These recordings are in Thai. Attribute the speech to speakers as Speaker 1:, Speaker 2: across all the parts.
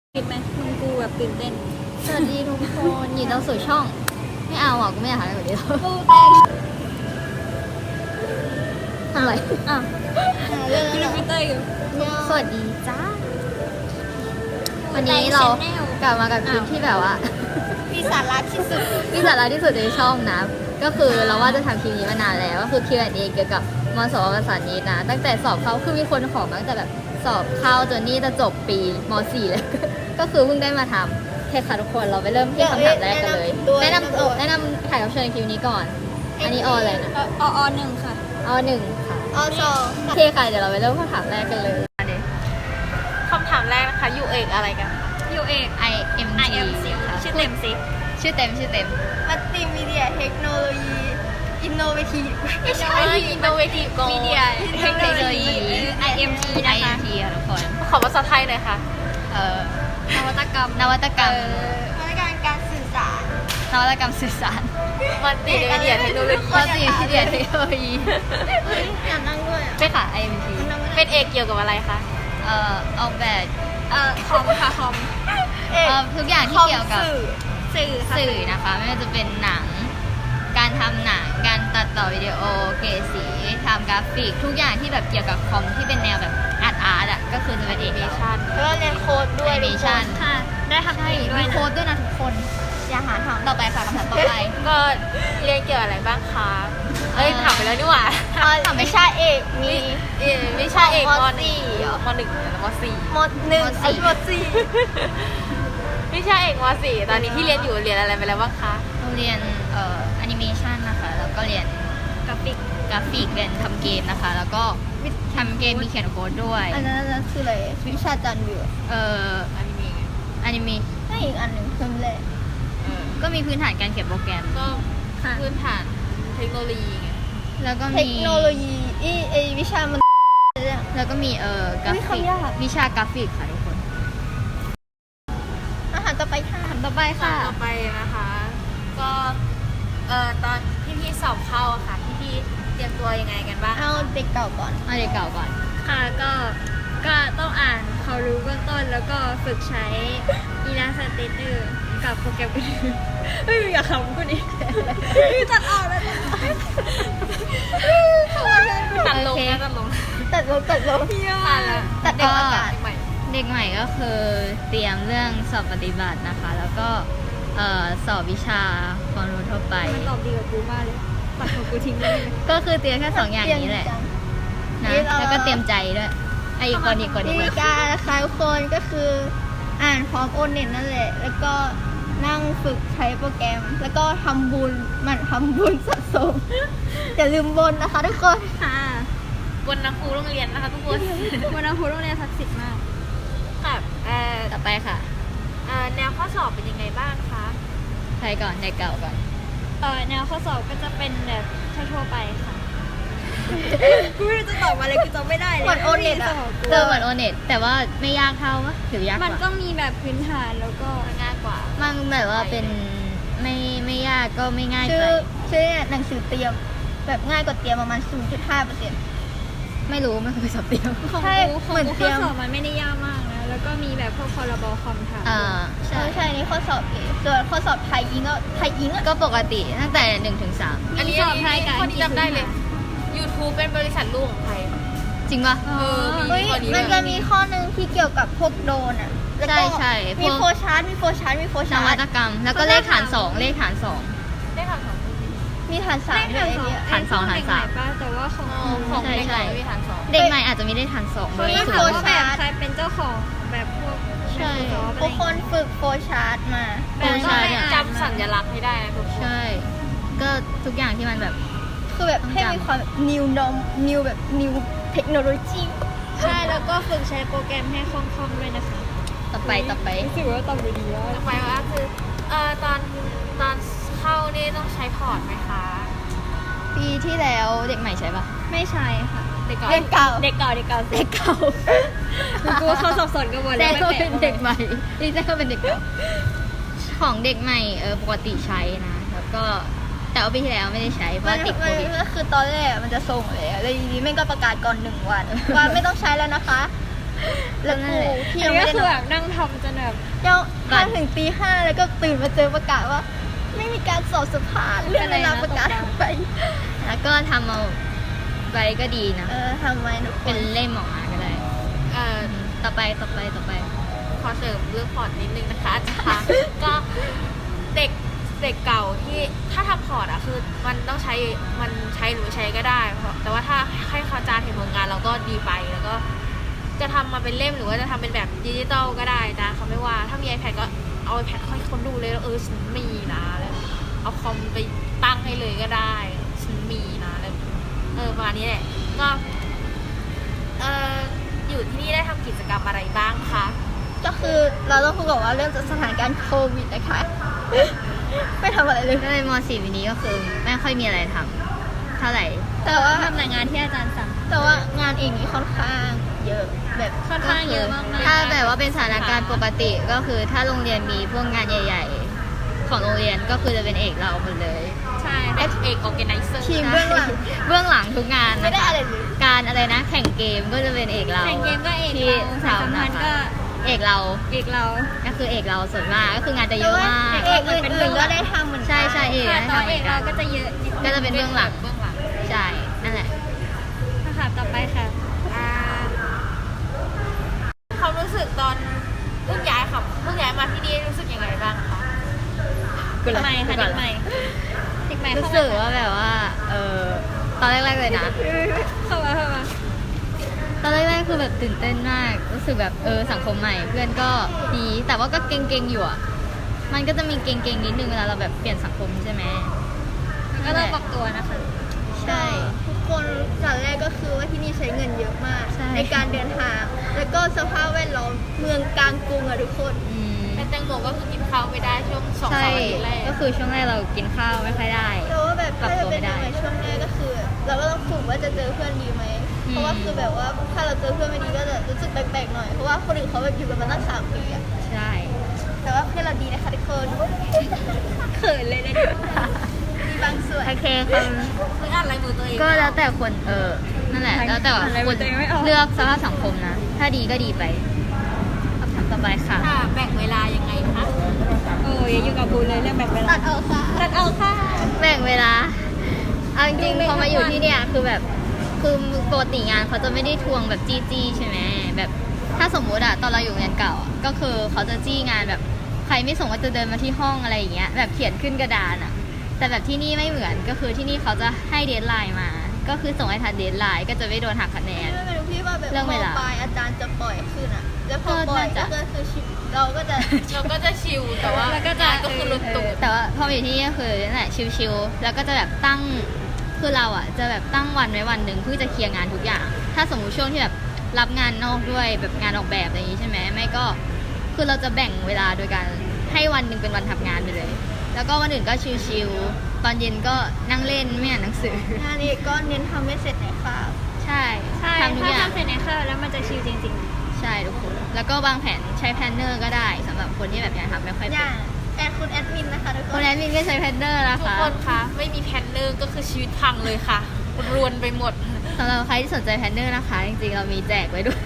Speaker 1: คิดไหมมึงกูแบบตื่นเต้น
Speaker 2: สวัสดีทุกคนยินดีต้อนรับสู่ช่อง ไม่เอาอ่ะกูไม่อยากทำอะไรแบบนี้แล้ว
Speaker 1: กูเต้น
Speaker 2: ทำอะไร
Speaker 1: อ่ะ
Speaker 2: เรื่อง
Speaker 1: กูดูพี่เต้ยอยู่
Speaker 2: สวัสดีจ้า วันนี้เรากลับมากับคลิปที่แบบว่า
Speaker 1: มีสาระที่สุด
Speaker 2: มีสาระที่สุดในช่องนะ ก็คือเราว่าจะทำคลิปนี้มานานแล้ว ก็คือ Q&A เกี่ยวกับมสวภาษานี้นะ ตั้งแต่สอบเข้าคือมีคนขอมาตั้งแต่แบบสอบเข้าจนนี่จะจบปีม .4 แล้ว ก็คือเพิ่งได้มาทำโอเคค่ะทุกคนเราไปเริ่มที่คำถามแรกกันเลย แนะนำแขกรับเชิญในคลิปนี้ก่อน อันนี้ออะไรนะ
Speaker 1: อหนึ่งค่ะ
Speaker 2: อหนึ่งค่ะ
Speaker 1: สอง
Speaker 2: โอเคค่ะเดี๋ยวเราไปเริ่มคำถามแรกกันเลย
Speaker 3: คำถามแรกนะคะอยู่เอกอะไรกัน
Speaker 1: ยูเอก
Speaker 2: IMT ค่ะ
Speaker 1: ชื่อเต็มสิ
Speaker 2: ชื่อเต็ม
Speaker 1: มัลติมีเดียเทคโนโลยีอินโนเวทีฟไม่ใช่
Speaker 3: อินโนเวทีฟโก
Speaker 1: มีเดียเทคโนโลยี IMT นะคะ
Speaker 2: IMT ค่ะทุกคน
Speaker 3: ขอภาษาไทยหน่อยค่ะ
Speaker 1: นวัตกรรม
Speaker 2: นวัตกรรม
Speaker 1: นวัตกรรมการสื่อสาร
Speaker 2: นวัตกรรมสื่อสาร
Speaker 3: มันติเดียเทคโนโลยี
Speaker 2: มัลติมีเดียเทคโนโลยี
Speaker 1: อยากนั่งด้วยอ่ะ
Speaker 2: ใช่ค่ะ IMT
Speaker 3: เป็นเอกเกี่ยวกับอะไรคะ
Speaker 2: ออกแบบ
Speaker 1: คอมค่ะคอม
Speaker 2: ทุกอย่างที่เกี่ยวกับ
Speaker 1: สื่อค่ะ
Speaker 2: สื่อนะคะไม่ว่าจะเป็นหนัง การทำหนัง การตัดต่อวิดีโอ เกรดสีทำกราฟิก ทุกอย่างที่แบบเกี่ยวกับคอมที่เป็นแนวแบบอาร์ตอ่ะ ก็คือจะเป็นเอก
Speaker 3: ชัน
Speaker 1: แล้วก็เรียนโค้ดด้วย
Speaker 2: Animation
Speaker 1: ค่ะ ได้ทำ
Speaker 2: ใช่
Speaker 1: เองด้วย
Speaker 2: มี
Speaker 1: นะ
Speaker 2: โค้ดด้วยนะทุกคน อย่าหาทำต่อไปค่ะคำถามต่อไป
Speaker 3: ก็เรียนเกี่ยวอะไรบ้างคะเอ้ยถามไปแล้วนี่หว่า
Speaker 1: ไม่ใช่เอกมี
Speaker 3: วิชาเอก
Speaker 1: ม
Speaker 3: ม
Speaker 1: สี่
Speaker 3: หนึ่งมหนึ่งแล้วมสี่
Speaker 1: มหนึ่ง
Speaker 2: มสี่
Speaker 1: มสี่
Speaker 3: วิชาเอกมสี่ตอนนี้ที่เรียนอยู่เรียนอะไรไปแล้วบ้างคะ
Speaker 2: เราเรียนแอนิเมชันนะคะ แล้วก็เรียน
Speaker 1: กราฟิก
Speaker 2: กราฟิกเรียนทำเกมนะคะ แล้วก็ทำเกมมีเขียนโค้ดด้วย
Speaker 1: อันนั้นคืออะไรวิชาจันทร์วิว
Speaker 3: อนิเมะ
Speaker 2: อนิเม
Speaker 1: ไม่อีกอันหนึ่งเพิ่มเลย
Speaker 2: ก็มีพื้นฐานการเขียนโปรแกรม
Speaker 3: ก็พื้นฐานเทคโนโลยีไง
Speaker 2: แล้วก็
Speaker 1: เท
Speaker 2: มี
Speaker 1: คโนโลยีไอวิชามัน
Speaker 2: แล้วก็มีกรา
Speaker 1: อุ๊ย
Speaker 2: ฟิก
Speaker 1: คำยาก
Speaker 2: วิชากราฟิกค่ะทุกคน
Speaker 1: อาหารต่อไปค่ะ
Speaker 2: คำต่อไปค่ะ
Speaker 3: ต่อไปนะคะ ก็ตอนพี่สอบเข้าอะค่ะพี่เตรียมตัวยังไงกันบ้าง
Speaker 1: เอาเด็กเก่าก่อน
Speaker 2: เอาเด็กเก่าก่อน
Speaker 4: ค่ะก็ต้องอ่านความรู้เบื้องต้นแล้วก็ฝึกใช้ Illustrator กับโปรแกรมอื่นๆเฮ้ยอยากขำกูดิตัดออกแล้ว
Speaker 3: ตัดลงนะตัดลง
Speaker 1: ตัดลง
Speaker 3: ตัดแล้ว
Speaker 1: ตัดเด็กอากาศ
Speaker 3: ใหม่
Speaker 2: เด็กใหม่ก็คือเตรียมเรื่องสอบปฏิบัตินะคะ แล้วก็สอบวิชาความรู้ทั่วไป
Speaker 4: มันตอบดีกับกูมากเลยตัดของกูทิ้งได้ไหม
Speaker 2: ก็คือเตรียมแค่สองอย่างนี้แหละนะแล้วก็เตรียมใจด้วยไอ้อีกคนอีกคนอี
Speaker 1: วิ
Speaker 2: กค
Speaker 1: ธี
Speaker 2: น
Speaker 1: การนะคะทุกคนก็คืออ่านพร้อมโอนเน็ตนั่นแหละ แล้วก็นั่งฝึกใช้โปรแกรม แล้วก็ทำบุญหมันทำบุญสะสม อย่าลืมบนนะคะทุกคน
Speaker 4: ค่ะ
Speaker 3: บนนักครูโรงเรียนนะคะทุกคน
Speaker 4: วันนั้นครูโรงเรียนศักดิ์สิทธิ์มาก
Speaker 3: ค่ะ
Speaker 2: ต่อไปค่ะ
Speaker 3: แนวข้อสอบเป็นยังไงบ้างคะ
Speaker 2: ใครก่อนเด็กเก่าก่อน
Speaker 4: แนวข้อสอบก็จะเป็นแบบทั่วๆไปค่ะ กูไม่รู้จะตอบมาเลยกูจำไม่ได้เลย
Speaker 1: เหมือนโอเน็ตอะ
Speaker 2: เจอเหมือนโอเน็ตแต่ว่าไม่ยากเท่าวะหรือยากก
Speaker 4: มัน
Speaker 2: ว่า
Speaker 4: ก็มีแบบพื้นฐานแล้วก็
Speaker 3: ง่ายกว่า
Speaker 2: มันแบบว่าเป็นไม่ยากก็ไม่ง่าย
Speaker 1: ชื่
Speaker 2: ไป
Speaker 1: อหนังสือเตรียม แบบง่ายกว่าเตรียมประมาณ 0.5%
Speaker 2: ไม่รู้ไม่เคยสอบเตรียม
Speaker 4: ของ
Speaker 1: ใช่
Speaker 4: กูของ
Speaker 1: เหมือน
Speaker 4: กู
Speaker 1: เตรี
Speaker 4: ข้อย
Speaker 1: ม
Speaker 4: สอบมันไม่ได้ยากมากนะ แล้วก็มีแบบพวกพรบคอมถาม
Speaker 2: ใช่
Speaker 1: ใช่นี่ข้อสอบเองส่วนข้อสอบไทยอิงอะ
Speaker 2: ก็ปกติตั้งแต่1 ถึง 3
Speaker 3: อันนี้
Speaker 4: สอบไทยกับ
Speaker 3: ข้อนี้จำได้เลย YouTube เป็นบริษัทลูกของใคร
Speaker 2: จริงปะ
Speaker 1: เฮ้ย
Speaker 3: ข้อนี้
Speaker 1: มันจะมีข้อหนึ่งที่เกี่ยวกับพวกโดรนอะแล้วก็
Speaker 2: ใช่พวก
Speaker 1: มีโฟชาร์ตมีโฟชาร์ตมีโฟ
Speaker 2: น
Speaker 1: ชา
Speaker 2: วั
Speaker 1: ร์ต
Speaker 2: ตกรรม แล้วก็เลขฐานสองเลขฐานสอง
Speaker 3: ได้ทางของ
Speaker 1: มีฐานสาม
Speaker 4: เลข
Speaker 1: ด้วย
Speaker 4: ฐานสอง
Speaker 1: ไอ้เนี่ย
Speaker 2: ฐานสองฐานสาม
Speaker 4: ป้าแต่ว่าของ
Speaker 3: ของ
Speaker 2: ใช่
Speaker 3: เด็ก
Speaker 2: ใช่
Speaker 3: ไม่มีทางสอง
Speaker 2: เด็กใหม่อาจจะมีเลขฐานสอง
Speaker 4: เขา
Speaker 2: ด้วย
Speaker 4: เรียก
Speaker 2: สู
Speaker 4: ว่าง แบบ
Speaker 1: ชาร์ต
Speaker 4: ใครเป็นเจ้าของแบบพวก
Speaker 2: ใช่
Speaker 4: Microsoft
Speaker 1: ทุกคนฝึกโฟชาร์ตมา
Speaker 2: โฟชาร์ตเนี่ย
Speaker 3: จำสัญลักษณ์ให้ได้นะทุกคน
Speaker 2: ใช่ ก็ทุกอย่างที่มันแบบ
Speaker 1: คือแบบให้มีความ new norm new แบบ new technology
Speaker 4: ใช่แล้วก็ฝึกใช้โปรแกรมให้คล่องๆด้วยนะคะ
Speaker 2: ต่อไป
Speaker 4: รู้สึกว่าตอบได้ดีแล้ว
Speaker 3: ต่อไปก็คือตอนเข้านี่ต้องใช้พอร์ตไหมคะ
Speaker 2: ปีที่แล้วเด็กใหม่ใช่ปะ
Speaker 4: ไม่ใช่ค่ะ
Speaker 3: เด็กก่อน
Speaker 1: เรียนเก่า
Speaker 4: เด็กเก่าเด็กเก่า
Speaker 2: เด็กเก่า
Speaker 4: กูว่าเขาสับสนกันหมด
Speaker 2: แจ้
Speaker 4: แล้ว
Speaker 2: งว่าเป็นเด็กใหม่นี่แจ้งว่าเป็นเด็กเก่าของเด็กใหม่ปกติใช้นะ แล้วก็แต่ว่าปีที่แล้วไม่ได้ใช้เพราะว่าติดโควิด
Speaker 1: ก็คือตอนแรกมันจะส่งเลยแล้วทีนี้แม่งก็ประกาศก่อน1 วัน ว่าไม่ต้องใช้แล้วนะคะแล้ว
Speaker 2: นั่
Speaker 1: กู
Speaker 2: นแหละ
Speaker 1: ที่
Speaker 4: อั
Speaker 1: ยั
Speaker 4: น
Speaker 1: ง
Speaker 4: นี้
Speaker 1: ไม่
Speaker 4: ก็
Speaker 1: ได้
Speaker 4: คือน
Speaker 1: อ
Speaker 4: แบ
Speaker 1: น
Speaker 4: บนั่งทำจนแบบ
Speaker 1: เจ้าถ้าถึงตี 5แล้วก็ตื่นมาเจอประกาศว่า ไม่มีการสอบสัมภาษณ์เลื่อนเวลาประกาศไป
Speaker 2: แล้วก็ทำเอาไว้ก็ดีนะ
Speaker 1: ทำไมทุกค
Speaker 2: เป็น นเล่มออกมาก็ได้
Speaker 3: เอ่อ
Speaker 2: ต่อไป
Speaker 3: ขอเสริมเรื่องพอร์ตนิดนึงนะคะอาจารย์ ก็เด็กเก่าที่ถ้าทำพอร์ตอะคือมันต้องใช้หรือไม่ใช้ก็ได้แต่ว่าถ้าให้เขาจานเห็นผลงานเราก็ดีไปแล้วก็จะทำมาเป็นเล่มหรือว่าจะทำเป็นแบบดิจิตอลก็ได้นะเขาไม่ว่าถ้ามี iPad ก็เอา iPad ให้คนดูเลยแล้วฉันมีนะแล้วเอาคอมไปตั้งให้เลยก็ได้ฉันมีนะแล้วประมาณนี้แหละก็อยู่ที่นี่ได้ทำกิจกรรมอะไรบ้างคะ
Speaker 1: ก็คือเราต้องพูดก่อนว่าเรื่องจากสถานการณ์โควิดนะคะ ไม่ทำอะไรเลย
Speaker 2: ก็เลยม .4 ปีนี้ก็คือไม่ค่อยมีอะไรทำเท่าไหร่
Speaker 1: แต่ว่า
Speaker 4: ทำแต่งานที่อาจารย์สั่ง
Speaker 1: แต่ว่างานเองนี่ค่อนข้างเยอะแบบ
Speaker 4: ค่อนข้างเยอะมากๆ
Speaker 2: ถ้าแบบว่าเป็นสถานการณ์ปกติก็คือถ้าโรงเรียนมีพวกงานใหญ่ ๆ ของโรงเรียนก็คือจะเป็นเอกเราหมดเลย
Speaker 3: ใช่เอกออแกไนเซอร์
Speaker 1: ทีมเบื้องหลัง
Speaker 2: เบื้องหลังทุกงาน
Speaker 1: ไม่ได้
Speaker 2: นะคะ
Speaker 1: อะไรเลย
Speaker 2: การอะไรนะแข่งเกมก็จะเป็นเอกเรา
Speaker 4: แข่งเกมก็เอก
Speaker 2: ที่
Speaker 4: เรา
Speaker 2: สาว
Speaker 4: สัมพั
Speaker 2: นะ
Speaker 4: นธ์
Speaker 2: คะ
Speaker 4: ก็
Speaker 2: เอกเรา
Speaker 4: เอกเรา
Speaker 2: ก็คือเอกเราส่วนมากก็คืองานจะเย
Speaker 1: แต่
Speaker 2: อะ
Speaker 1: ว่าม
Speaker 2: าก
Speaker 1: เอกอื่นๆก็ได้ทำเหมือนกัน
Speaker 2: ใช่เอก
Speaker 4: ค่ะ
Speaker 2: ได้
Speaker 4: ตอน
Speaker 2: ทำเห
Speaker 4: เอ
Speaker 2: มือก นกั
Speaker 4: เรา
Speaker 2: น
Speaker 4: ก็จะเยอะนิดนึง
Speaker 2: ก็จะเป็นเบื้องหลังใช่นั่นแหละ
Speaker 4: ค่ะต่อไปค่ะ
Speaker 3: ความรู้สึกตอนเพิ่งย้ายมาที่นี่รู้สึกยังไงบ้างคะ
Speaker 4: ทำไมคะเด็กใหม่เด็กใหม่
Speaker 2: รู้
Speaker 4: เข้า
Speaker 2: สึก
Speaker 4: มา
Speaker 2: ว่าแบบว่าตอนแรกๆเลยนะ
Speaker 4: เข้ามา
Speaker 2: ตอนแรกๆคือแบบตื่นเต้นมาก รู้สึกแบบสังคมใหม่เพื่อนก็ดี แต่ว่าก็เก่งๆอยู่อ่ะ มันก็จะมีเก่งๆนิดนึงเวลาเราแบบเปลี่ยนสังคมใช่ไหม
Speaker 4: ก็ต้องปรับตัวนะคะ
Speaker 2: ใช่
Speaker 1: ทุกคนจากแรกก็คือว่าที่นี่ใช้เงินเยอะมาก
Speaker 2: ใช่
Speaker 1: ในการเดินทาง แล้วก็สภาพแวดล้อมเมืองกลางกรุงอะทุกคน
Speaker 2: อืม
Speaker 3: เป็นแตงโมก็คือกินข้าวไม่ได้ช่วง2-3
Speaker 2: ใช่
Speaker 3: อาทิตย์แรก
Speaker 2: ก็คือช่วงแรกเรากินข้าวไม่ค่อยได้
Speaker 1: แต่ว่าแบบ
Speaker 2: ปรั
Speaker 1: ถ้า
Speaker 2: บตัว
Speaker 1: จะเป็น
Speaker 2: ไม่ได้
Speaker 1: ในช่วงแรกก็คือ เราก็ต้องฝึกว่าจะเจอเพื่อนดีไหม เพราะว่าคือแบบว่าถ้าเราเจอเพื่อนไม่ดีก็จะรู้สึกแปลกๆหน่อย เพราะว่าคนอื่นเขาแบบอยู่กันมาตั้ง3 ปีอะ
Speaker 2: ใช่
Speaker 1: แต่ว่าเพื่อนเราดีนะคะทุกคน
Speaker 4: เขินเลยนะ
Speaker 1: มีบางส่วน
Speaker 2: โอเคค่ะ
Speaker 3: เพิ่งอ่านลายมือตัวเอง
Speaker 2: ก็แล้วแต่คนนั่นแหละ แล้วแต่ว่าคนเลือกสภาพสังคมนะ ถ้าดีก็ดีไปคำถามต่อไปค่ะ
Speaker 3: ค่ะแบ่งเวลายังไงคะ
Speaker 4: โอ้ยอยู่กับบูเลยเรื่องแบบเวลา
Speaker 1: ตัดออกค่ะ
Speaker 4: ตัดเอาค่ะ
Speaker 2: แบ่งเวลา เอาจริง
Speaker 4: ดู
Speaker 2: ๆ
Speaker 4: ไม่
Speaker 2: พอมาอยู่
Speaker 4: ทั้งวัน
Speaker 2: ที่เนี่ยคือแบบ คือปกติงานเขาจะไม่ได้ทวงแบบจี้ใช่ไหมแบบถ้าสมมุติอะตอนเราอยู่งานเก่าอะก็คือเขาจะจี้งานแบบใครไม่ส่งก็จะเดินมาที่ห้องอะไรอย่างเงี้ย แบบเขียนขึ้นกระดานอะแต่แบบที่นี่ไม่เหมือน ก็คือที่นี่เขาจะให้เดดไลน์มา ก็คือส่งให้ทันเดดไลน์ก็จะไม่โดนหักคะแนน
Speaker 1: ไม่รู้พี่ว่าแบบ
Speaker 2: เรื่อง
Speaker 1: ม
Speaker 2: เวลา
Speaker 1: ปลายอาจารย์จะปล่อยขึ้นอะแล้วพอ
Speaker 2: ก็
Speaker 1: ปล่อย
Speaker 2: น่าจะ
Speaker 1: ก็คือชิปเราก็จะ
Speaker 3: เราก็จะชิลแต่ว่า
Speaker 4: แล้วก็จะ
Speaker 3: งานก็คือลุกตุก
Speaker 2: แต่ว่าพอมาอยู่ที่นี่ก็คือนั่นแหละชิลๆแล้วก็จะแบบตั้งคือเราอ่ะจะแบบตั้งวันไว้วันหนึ่งเพื่อจะเคลียร์งานทุกอย่าง ถ้าสมมุติช่วงที่แบบรับงานนอกด้วยแบบงานออกแบบอะไรอย่างนี้ใช่ไหมไม่ก็คือเราจะแบ่งเวลาโดยการให้วันหนึ่งเป็นวันทำงานไปเลย แล้วก็วันอื่นก็ชิลๆตอนเย็นก็นั่งเล่นไม่อ่านหนังสือ
Speaker 1: งานนี้ก็เน้นทำให้เสร็จในคาบ
Speaker 2: ใช่
Speaker 4: ใช่
Speaker 2: ทำทุก
Speaker 4: ถ้า
Speaker 2: อย่าง
Speaker 4: ทำเสร็จในข้าวแล้วมันจะชิลจริง
Speaker 2: ใช่ทุกคนแล้วก็วางแผนใช้แพลนเนอร์ก็ได้สำหรับคนที่แบบยังทำไม่ค่อย
Speaker 1: อ
Speaker 2: เป็น
Speaker 1: ย่างคุณแอดมินนะคะทุกค
Speaker 2: คน
Speaker 1: น
Speaker 2: แอดมินก็ใช้แพลนเนอร์นะ
Speaker 3: ทุก
Speaker 2: คะ
Speaker 3: คนคะไม่มีแพลนเนอร์ก็คือชีวิตพังเลยค่ะรวนไปหมด
Speaker 2: สำหรับใครที่สนใจแพลนเนอร์นะคะ จริงๆ เรามีแจกไว้ด้วย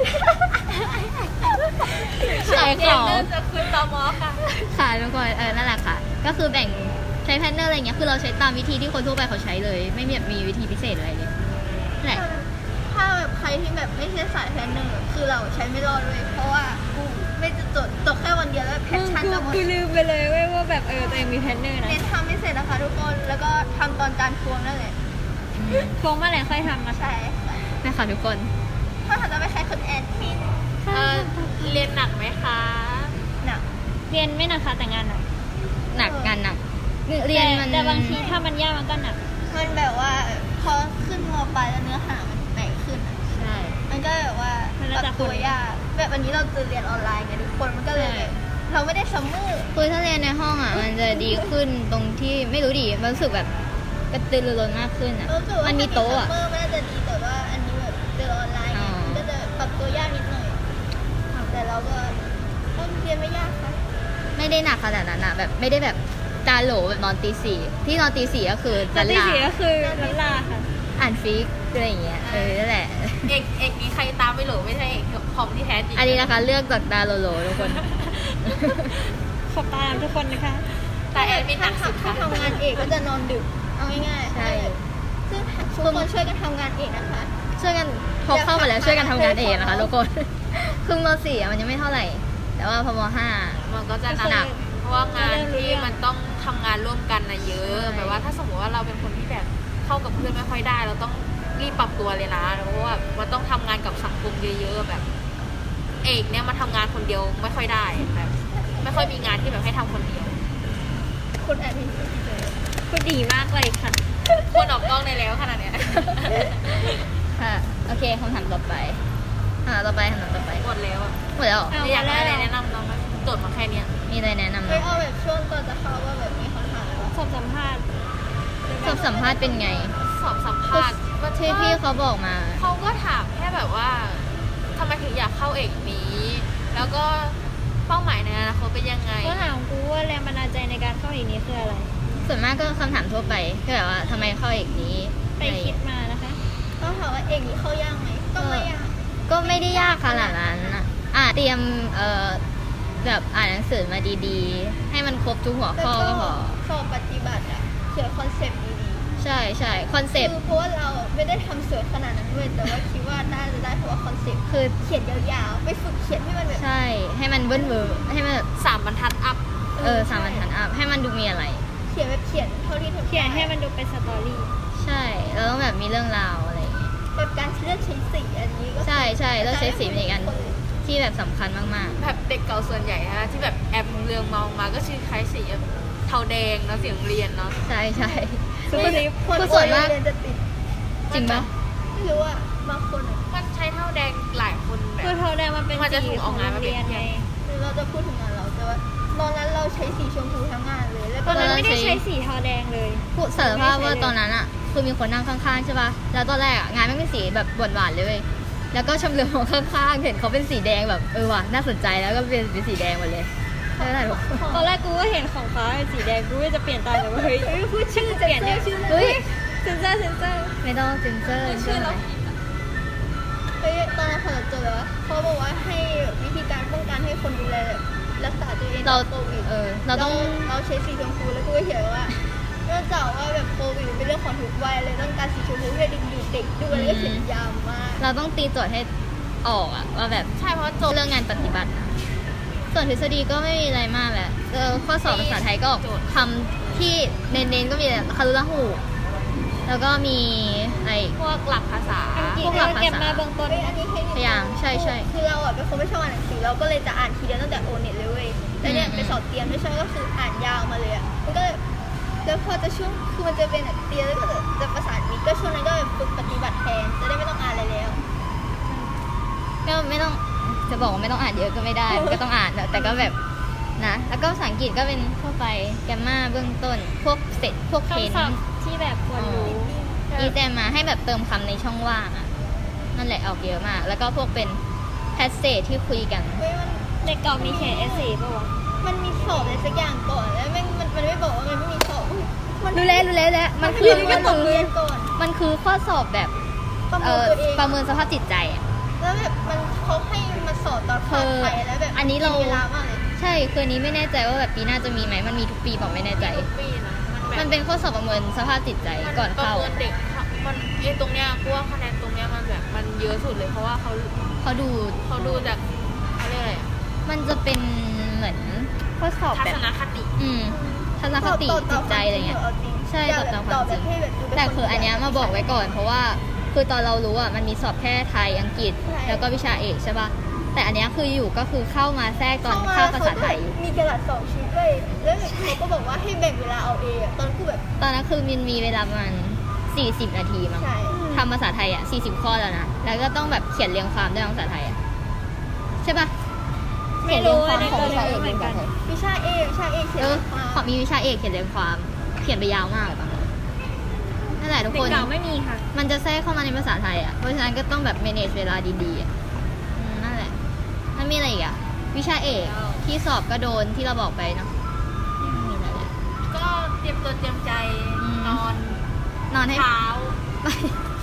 Speaker 2: ขาย
Speaker 3: เรี
Speaker 2: ข
Speaker 3: ยน
Speaker 2: อง
Speaker 3: เนอร์จะคืนตมค่ะ
Speaker 2: ค่ะทุกคนนั่นแหละค่ะ ก็คือแบ่งใช้แพลนเนอร์อะไรเงี้ยคือเราใช้ตามวิธีที่คนทั่วไปเขาใช้เลย ไม่มีแบบมีวิธีพิเศษอะไรเลยนั่นแหละ
Speaker 1: ถ้าแบบใครที่แบบไม่ใช่สายแพลนเนอร์คือเราใช้ไม่รอดเลยเพราะว่ากูไม่จะจดแค่วันเดียวแล้วแพ
Speaker 4: ๆ
Speaker 1: ชชั่นจะหมด
Speaker 4: กูลืมไปเลยเว้ยว่าแบบตัวเองมีแพลนเนอร์นะ
Speaker 1: เน้นทำไม่เสร็จนะคะทุกคนแล้วก็ทำตอนจานพวงนั่นแหละ
Speaker 4: โค้งเมื่อไหร่ค่อยทำนะ
Speaker 1: ใช่ค่ะ
Speaker 2: นะคะทุกคน
Speaker 1: ถ้าจะไม่ใช้คุณแอดมิน
Speaker 3: เรียนหนักไหมคะ
Speaker 1: หนัก
Speaker 4: เรียนไม่หนักค่ะแต่งานหนัก
Speaker 2: หนักงานหนักเรียนมัน
Speaker 4: แต่บางทีถ้ามันยากมันก็หนัก
Speaker 1: มันแบบว่าพอขึ้นมปลายแล้วเนื้อหามันแตกขึ้นอะ
Speaker 2: ใช่
Speaker 1: มันก็แบบว่า
Speaker 4: มัน
Speaker 1: ป
Speaker 4: แล้วแต่
Speaker 1: รับตัวยากแบบวันนี้เราจะเรียนออนไลน์ไงทุกคนมันก็เลยแบบเราไม่ได้ซัมเมอร์
Speaker 2: คือถ้าเรียนในห้องอ่ะ มันจะดีขึ้นตรงที่ไม่รู้ดิมันรู้สึกแบบกระตือรือร้นมากขึ้นอ่ะ
Speaker 1: รู้สึกว่า
Speaker 2: มันมีโต๊ะอ่ะ
Speaker 1: ซัมเมอร์มันน่าจะดีแต่ว่าอันนี้แบบเรียนออนไลน์ไง
Speaker 2: อ๋อ
Speaker 1: มันก็จะปรับตัวยากนิดหน่อยแต่เราก็เรียนไม่ยากค่ะ
Speaker 2: ไม่ได้หนักขนาดนั้นอะแบบไม่ได้แบบตาโหลแบบนอนตี 4ที่นอนตี 4ก็คือ
Speaker 4: แต่ที่
Speaker 2: ลา
Speaker 4: สี่ก็คือลันลาค่ะ
Speaker 2: อ่านฟิกอะไรอย่างเงี้ยนั่นแหละ
Speaker 3: เอกนี้ใครตามไม่หลงไม่ใช่เอกคอมที่แท้จริง
Speaker 2: อันนี้นะคะเลือกจากดาโลโลทุกคน
Speaker 4: ขอบตามทุกคนนะคะ
Speaker 3: แต่แอดมินหนักสุด
Speaker 1: ถ้า
Speaker 3: ค่ะ
Speaker 1: ทำงานเอกก็จะนอนดึก เอาง่ายๆ
Speaker 2: ใช่
Speaker 1: ซึ่งทุกคนช่วยกันทำงานเอกนะคะ
Speaker 2: ช่วยกันพอเข้ามาแล้วช่วยกันทำงานเองนะคะทุกคน คือม .4 อะมันยังไม่เท่าไหร่ แต่ว่าพอม
Speaker 3: มันก็จะหนักเพราะว่างานที่มันต้องทำงานร่วมกันนะเยอะ
Speaker 2: ใช่
Speaker 3: แบบว่าถ้าสมมติว่าเราเป็นคนที่แบบเข้ากับเพื่อนไม่ค่อยได้ เราต้องรีบปรับตัวเลยนะเพราะว่ามันต้องทำงานกับสังคมเยอะๆแบบ เอกเนี่ยมาทำงานคนเดียวไม่ค่อยได้แบบ ไม่ค่อยมีงานที่แบบให้ทำคนเดียว
Speaker 1: คุณแอดมิน
Speaker 4: คุณดีมากเลยค่ะ
Speaker 3: คนออกกล้องได้แล้วขนาดเนี้ย
Speaker 2: 5ค่ะ โอเคคำถามต่อไปต่อไปคำถามต่อไป
Speaker 3: หมดแล้วอะ
Speaker 2: หมดแล้วเหรอ
Speaker 4: เอา
Speaker 3: อยากได้อะไรแนะนำน้องไหมโจทย์มาแค่เนี้ย
Speaker 2: มีอะไรแนะนำไหม
Speaker 1: ไม่เอาแบบช่วงก่อนจะเข้าว่าแบบมีคำถามอะไรบ้าง
Speaker 4: สอบสัมภาษณ์
Speaker 2: สอบสัมภาษณ์เป็นไง
Speaker 3: สอบสัมภาษณ์ว่า
Speaker 2: ที่พี่เขาบอกมา
Speaker 3: เขาก็ถามแค่แบบว่าทำไมถึงอยากเข้าเอกนี้ แล้วก็เป้าหมายในอนาคตเป็นยังไง
Speaker 4: ก็ถามกูว่าแรงบันดาลใจในการเข้าอีกนี้คืออะไร
Speaker 2: ส่วนมากก็คำถามทั่วไปคือแบบว่าทำไมเข้าเอกนี้
Speaker 4: ไปคิดมานะคะ
Speaker 1: ต้องถามว่าเอกนี้เข้ายากไหมก็ไม่ยาก
Speaker 2: ก็ไม่ได้ยากขนาดนั้นอะเตรียมแบบอ่านหนังสือมาดีๆ ให้มันครบทุกหัว
Speaker 1: แล้ว
Speaker 2: ข้อ
Speaker 1: ก็
Speaker 2: ก็พอ
Speaker 1: สอบปฏิบัติอะเขียนคอนเซปต์ดี
Speaker 2: ใช่ใช่คอน
Speaker 1: ๆ
Speaker 2: เซปต์
Speaker 1: คือเพราะว่าเราไม่ได้ทำสวยขนาดนั้นด้วยแต่ว่าคิดว่าน่าจะได้เพราะว่าคอนเซปต์
Speaker 2: คือ
Speaker 1: เขียนยาวๆ ไปฝึกเขียนให้มันแบบ
Speaker 2: ใช่ให้มันเบิ้ลเบอร์ให้มันแบบ
Speaker 3: 3 บรรทัดอัพ
Speaker 2: สามบรรทัดอัพให้มันดูมีอะไร
Speaker 1: เขียนแบบเขียนเท่าที่ทำ
Speaker 4: เขียนให้มันดูเป็นสตอรี่
Speaker 2: ใช่แล้วต้องแบบมีเรื่องราวอะไรอย่างเงี้ย
Speaker 1: แบบการเลือกใช้สีอันนี้ก็
Speaker 2: ใช่ใช่แล้วใช้สีเป็นอีกอันที่แบบสำคัญมาก
Speaker 3: แบบเด็กเก่าส่วนใหญ่นะที่แบบแอบเรืองมองมาก็ชื่อคล้ายสีแบบเทาแดงเนาะสีโรงเรียนเนาะ
Speaker 2: ๆ ใช่ใช่
Speaker 4: ซุปเปอร์ลิฟ
Speaker 1: คน
Speaker 2: คือส่วนมาก
Speaker 1: โรงเรียนจะติด
Speaker 2: จริงปะ
Speaker 1: ไม่รู้ว่าบางคนอะ
Speaker 3: มันใช้เท่าแดงหลายคนแบบ
Speaker 4: คือเทาแดงมันเป็น
Speaker 3: มันจะถู
Speaker 4: สี
Speaker 3: ก
Speaker 4: ข
Speaker 3: อ
Speaker 4: อ
Speaker 3: อง กงาน
Speaker 4: โร
Speaker 3: มาง
Speaker 4: เรียน
Speaker 3: เป็น
Speaker 4: ไง
Speaker 1: หรือเราจะพูดถึงงานเราแต่ว่าตอนนั้นเราใช้สีชมพูทั้งงานเลยแล้ว
Speaker 4: ต
Speaker 1: ก็
Speaker 4: อนนั้นไม่ได้ใช้สีเทาแดงเลย
Speaker 2: พูดสารภาพว่าตอนนั้นอ่ะคือมีคนนั่งข้างๆใช่ปะแล้วตอนแรกอ่ะงานไม่เป็นสีแบบหวานๆเลยเว้ยแล้วก็ชมเรือมองข้างๆเห็นเขาเป็นสีแดงแบบว่ะน่าสนใจแล้วก็เป็นสีแดงหมดเลยไม่เป็นไรหรอก
Speaker 4: ตอนแรกกูก็เห็นของฟ้าเป็นสีแดงกูก็จะเปลี่ยนตามแต่ว่าเฮ้ยพูดชื่อเปลี่ยนเนี่ย
Speaker 2: เฮ้ย
Speaker 4: เซนเซอร์
Speaker 2: ไม่ต้องเซ็นเซอร์ใช่ไหม
Speaker 1: เฮ้ยตอนนั้นเขาเจอแล้วเขาบอกว่าให้วิธีการป้องกันให้คนดูแลรักษาตัวเอง
Speaker 2: เรา
Speaker 1: โควิด
Speaker 2: เราต้อง
Speaker 1: เราใช้สีชมพูแล้วก็เขียนว่าเนื่องจากว่าแบบโควิดเป็นเรื่องของทุกวัยเลยต้องการสีชมพูเพื่อดึงดูดเด็กด้วยแล้วก็เขียนยาวมาก
Speaker 2: เราต้องตีโจทย์ให้ออกอะว่าแบบ
Speaker 3: ใช่เพราะจบ
Speaker 2: เรื่องงานปฏิบัตินะส่วนทฤษฎีก็ไม่มีอะไรมากแหละข้อสอบภาษาไทยก็คำที่เน้นๆก็มีคารุละหูแล้วก็มีอะไร
Speaker 3: พวกหลักภาษา
Speaker 4: อังกฤษ
Speaker 2: พวกหลักภาษา
Speaker 4: เก็บมาเบื้องต้น
Speaker 1: เฮ้ยอันนี้ให้
Speaker 2: พยายามใช่ใช่
Speaker 1: คือเราอ่ะเป็นคนไม่ชอบอ่านหนังสือเราก็เลยจะอ่านทีเดียวตั้งแต่โอเน็ตเลยเว้ยแล้วเนี่ย
Speaker 2: อืม
Speaker 1: ไปสอบเตรียมไม่ใช่ก็คืออ่านยาวมาเลยอ่ะมันก็เลยแล้วพอจะช่วงคือมันจะเป็นแบบเตรียมแล้วก็จะประสานมิตรก็ช่วงนั้นก็แบบฝึกปฏิบัติแทนจะได้ไม่ต้องอ่านอะไรแล้ว
Speaker 2: ก็ไม่ต้องจะบอกว่าไม่ต้องอ่านเยอะก็ไม่ได้ มันก็ต้องอ่านแต่ก็แบบนะแล้วก็ภาษาอังกฤษก็เป็นทั่วไปแกมมาเบื้องต้นพวกเสร็จพวกเทน
Speaker 4: คำศัพท์ที่แบบควรรู้
Speaker 2: อีแจมมาให้แบบเติมคำในช่องว่างอะนั่นแหละออกเยอะมาก แล้วก็พวกเป็นแพสเซจที่คุยกัน
Speaker 1: เฮ้ยมัน
Speaker 4: เด็กเก่ามีเขียนเอเซ่ป่าวะ
Speaker 1: มันมีสอบอะไรสักอย่างก่อนแล้วมันไม่บอกว่ามันไม่มีสอบอุ๊ยมัน
Speaker 2: รู้แล้วมัน
Speaker 1: คื
Speaker 2: คือ อ
Speaker 1: มันต้องเรียนก่อน
Speaker 2: มันคือข้อสอบแบบ
Speaker 1: ประเมินตัวเอง
Speaker 2: ประเมินสภาพจิตใจอะ
Speaker 1: แล้วแบบมันเขาให้มาสอบตอนภาคไทยแล้วแบบ
Speaker 2: อันนี้เรา
Speaker 1: มีเวลามากเลย
Speaker 2: ใช่คืออันนี้ไม่แน่ใจว่าแบบปีหน้าจะมีไหมมันมีทุกปีบอกไม่แน่ใจ
Speaker 3: ทุกปีนะแบบ
Speaker 2: มันเป็นข้อสอบประเมินสภาพจิตใจก่อน
Speaker 3: ประ
Speaker 2: เข้า
Speaker 3: เมินเด็กมันตรงเนี้ยกูว่าคะแนนตรงเนี้ยมันแบบมันเยอะสุดเลยเพราะว่าเขา
Speaker 2: เขาดู
Speaker 3: จากเขาเรียกอะไรอะ
Speaker 2: มันจะเป็นเหมือนข้อสอบ
Speaker 3: ทั
Speaker 2: แบ
Speaker 3: ศ
Speaker 2: บ
Speaker 3: นคติ
Speaker 2: ทัศนคติจิตใจอะไรเงี้ย ใช่ตอบตามความจริง แต่คืออันเนี้ยมาบอกไว้ก่อนเพราะว่าคือตอนเรารู้อ่ะมันมีสอบแค่ไทยอังกฤษ แล้วก็วิชาเอกใช่ป่ะแต่อันเนี้ยคืออยู่ก็คือเข้ามาแทรกตอนเข้าภาษาไทย
Speaker 1: มีกระดาษ2ชิ้นด้วยแล้วเขาก็บอกว่าให้แบ่งเวลาเอาเองอะตอนคือแบบ
Speaker 2: ตอนนั้นคือมินมีเวลาประมาณ40 นาทีมั้ง
Speaker 1: ใช่
Speaker 2: ทำภาษาไทยอ่ะ40 ข้อแล้วนะแล้วก็ต้องแบบเขียนเรียงความด้วยภาษาไทยอ่ะใช่ป่ะ
Speaker 4: ไม่รู้
Speaker 2: เขียน
Speaker 4: ใน
Speaker 2: เรียง
Speaker 4: ต
Speaker 2: ค
Speaker 4: อ
Speaker 2: วาน มของ
Speaker 4: นี้
Speaker 2: วิชาเอก
Speaker 4: เหมือนกัน
Speaker 1: วิชาเอกเขียน
Speaker 2: ข
Speaker 1: มา
Speaker 2: อมีวิชาเอกเขียนเรียงความเขียนไปยาวมากเลยป่ะนั่นแหละทุก
Speaker 4: เด็
Speaker 2: ค
Speaker 4: ก
Speaker 2: น
Speaker 4: เก่าไม่มีค่ะ
Speaker 2: มันจะแทรกเข้ามาในภาษาไทยอ่ะ เพราะฉะนั้นก็ต้องแบบ manage เวลาดีๆอ่ะนั่นแหละแล้วมีอะไรอีกอ่ะ วิชาเอกที่สอบก็โดนที่เราบอกไปเนาะมีอะไรแหละ
Speaker 3: ก็เตรียมตัวเตรียมใจ
Speaker 2: อืม
Speaker 3: นอน
Speaker 2: นอนให้
Speaker 3: เช้า
Speaker 2: ไป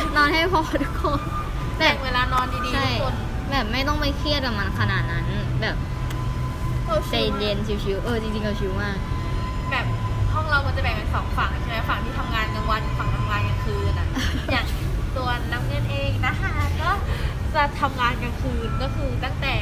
Speaker 2: นอนให้พอทุกคนแบ
Speaker 3: แบ่
Speaker 2: บ
Speaker 3: งเวลานอนดีๆ
Speaker 2: ใช่
Speaker 3: ทุกคน
Speaker 2: แบบไม่ต้องไปเครียดกับมันขนาดนั้น แบบ
Speaker 1: เรา
Speaker 2: ใจเย็นชิวๆจริงๆเราชิวมาก
Speaker 3: แบบห้องเรามันจะแบ่งเป็น2 ฝั่งใช่ไหมฝั่งที่ทำงานกลางวันฝั่งทำงานกลางคืนอ่ะ อย่างตัวน้ำเงินเองนะคะก็จะทำงานกลางคืนก็คือตั้งแต่